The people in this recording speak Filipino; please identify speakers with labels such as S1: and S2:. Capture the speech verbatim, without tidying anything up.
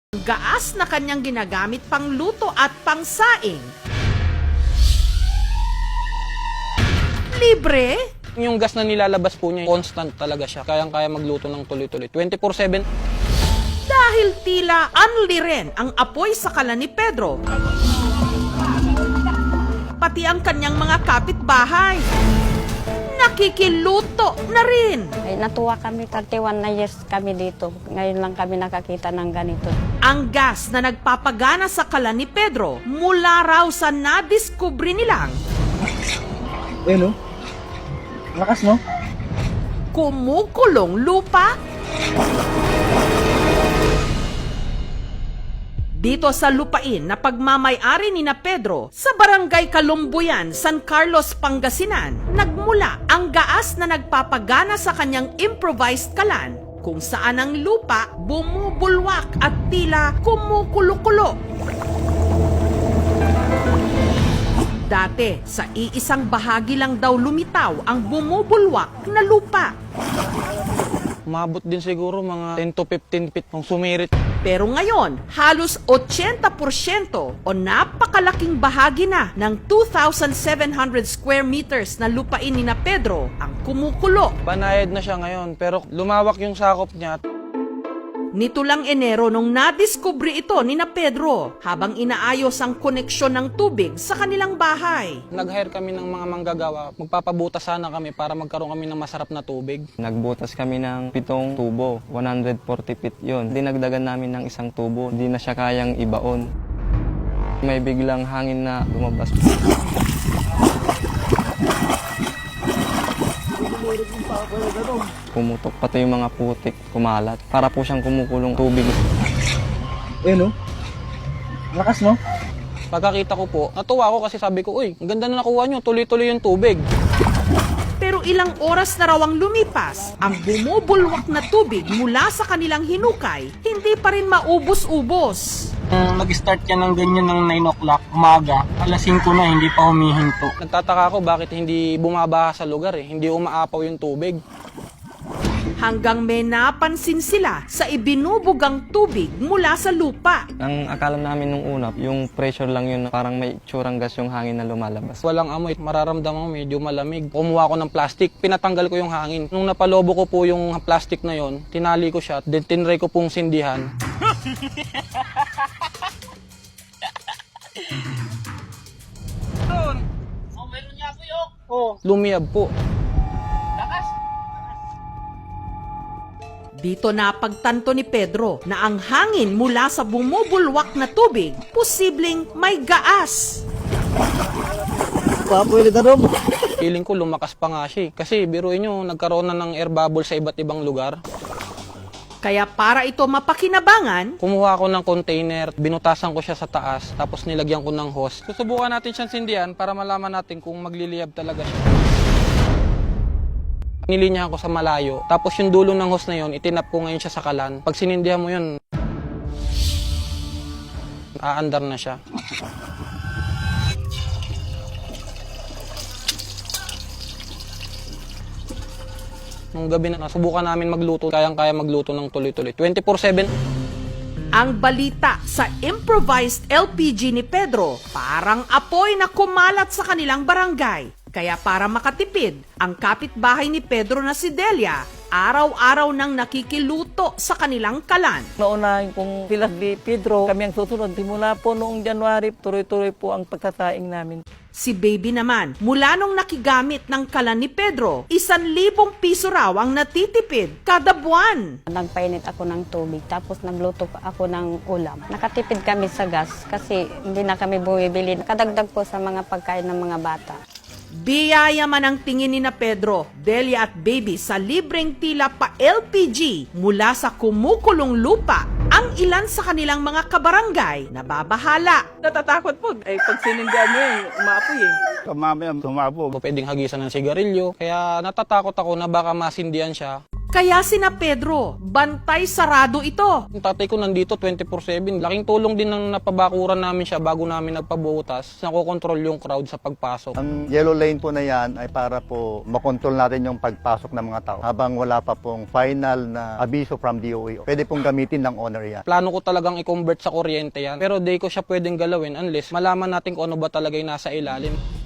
S1: Gaas na kanyang ginagamit pang luto at pangsaing. Libre?
S2: Yung gas na nilalabas po niya, constant talaga siya. Kayang-kaya magluto ng tuloy-tuloy. twenty-four seven.
S1: Dahil tila unli rin ang apoy sa kalan ni Pedro. Pati ang kanyang mga kapitbahay. Nakikiluto na rin.
S3: Ay, natuwa kami, thirty-one na years kami dito. Ngayon lang kami nakakita ng ganito.
S1: Ang gas na nagpapagana sa kalan ni Pedro mula raw sa nadiskubre nilang
S4: Eh no? Lakas no?
S1: kumukulong lupa. Dito sa lupain na pagmamay-ari ni na Pedro sa Barangay Kalumbuyan, San Carlos, Pangasinan, nagmula ang gaas na nagpapagana sa kanyang improvised kalan kung saan ang lupa bumubulwak at tila kumukulo-kulo. Dati, sa iisang bahagi lang daw lumitaw ang bumubulwak na lupa.
S2: Umabot din siguro mga ten to fifteen feet nung sumirit.
S1: Pero ngayon, halos eighty percent o napakalaking bahagi na ng two thousand seven hundred square meters na lupain ni na Pedro ang kumukulo.
S2: Banayad na siya ngayon, pero lumawak yung sakop niya.
S1: Nito lang Enero nung nadiskubre ito ni na Pedro habang inaayos ang koneksyon ng tubig sa kanilang bahay.
S2: Nag-hire kami ng mga manggagawa. Magpapabutas sana kami para magkaroon kami ng masarap na tubig.
S5: Nagbutas kami ng pitong tubo, one hundred forty feet yun. Dinagdagan namin ng isang tubo, hindi na siya kayang ibaon. May biglang hangin na lumabas. Pumutok pati yung mga putik, kumalat. Para po siyang kumukulong tubig.
S4: Eh no? Lakas no?
S2: Pagkakita ko po, natuwa ako kasi sabi ko, uy, ang ganda na nakuha nyo, tuloy-tuloy yung tubig.
S1: Pero ilang oras na raw ang lumipas, ang bumubulwak na tubig mula sa kanilang hinukay, hindi pa rin maubos-ubos.
S6: Nung nag-start ka ng ganyan ng nine o'clock umaga, alas singko na hindi pa humihinto.
S2: Nagtataka ako bakit hindi bumabaha sa lugar eh, hindi umaapaw yung tubig.
S1: Hanggang may napansin sila sa ibinubugang tubig mula sa lupa.
S5: Ang akala namin nung una, yung pressure lang yun, parang may tsurang gas yung hangin na lumalabas.
S2: Walang amoy, mararamdaman ko medyo malamig. Kumuha ko ng plastic, pinatanggal ko yung hangin. Nung napalobo ko po yung plastic na yon, tinali ko siya, then tinry ko pong sindihan.
S6: Oh, meron niya po yun. Oh.
S2: Lumiyab po.
S1: Dito napagtanto ni Pedro na ang hangin mula sa bumubulwak na tubig, posibleng may gaas.
S4: Papoy na rom.
S2: Feeling ko lumakas pa nga siya eh. Kasi biruin nyo, nagkaroon na ng air bubble sa iba't ibang lugar.
S1: Kaya para ito mapakinabangan,
S2: Kumuha ko ng container, binutasan ko siya sa taas, tapos nilagyan ko ng hose. Susubukan natin siyang sindihan para malaman natin kung magliliyab talaga siya. Nilinyahan ko sa malayo, tapos yung dulo ng hose na yun, itinap ko ngayon siya sa kalan. Pag sinindihan mo yun, aandar na siya. Nung gabi na, nasubukan namin magluto, kayang-kaya magluto ng tuloy-tuloy. twenty-four seven.
S1: ang balita sa improvised L P G ni Pedro parang apoy na kumalat sa kanilang barangay. Kaya para makatipid, ang kapitbahay ni Pedro na si Delia, araw-araw nang nakikiluto sa kanilang kalan.
S7: Naunahin kong sila ni Pedro, kami ang susunod. Simula po noong January, tuloy-tuloy po ang pagsasaing namin.
S1: Si Baby naman, mula nung nakigamit ng kalan ni Pedro, isan libong piso raw ang natitipid kada buwan.
S3: Nagpainit ako ng tubig, tapos nagluto ako ng ulam. Nakatipid kami sa gas kasi hindi na kami bumibili. Nakadagdag po sa mga pagkain ng mga bata.
S1: Biyaya man ang tingin ni na Pedro, Delia at Baby sa libreng tila pa L P G mula sa kumukulong lupa, ang ilan sa kanilang mga kabarangay na babahala.
S7: Natatakot po, eh pag sinindihan mo yun, umaapoy eh.
S4: Mamaya tumabog.
S2: Pwedeng hagisan ng sigarilyo, kaya natatakot ako na baka masindihan siya.
S1: Kaya sina Pedro, bantay sarado ito.
S2: Yung tatay ko nandito twenty-four seven. Laking tulong din ng napabakuran namin siya bago namin nagpabutas. Nakokontrol yung crowd sa pagpasok.
S8: Ang yellow lane po na yan ay para po makontrol natin yung pagpasok ng mga tao habang wala pa pong final na abiso from D O A. Pwede pong gamitin ng owner yan.
S2: Plano ko talagang i-convert sa kuryente yan. Pero di ko siya pwedeng galawin unless malaman natin kung ano ba talaga yung nasa ilalim.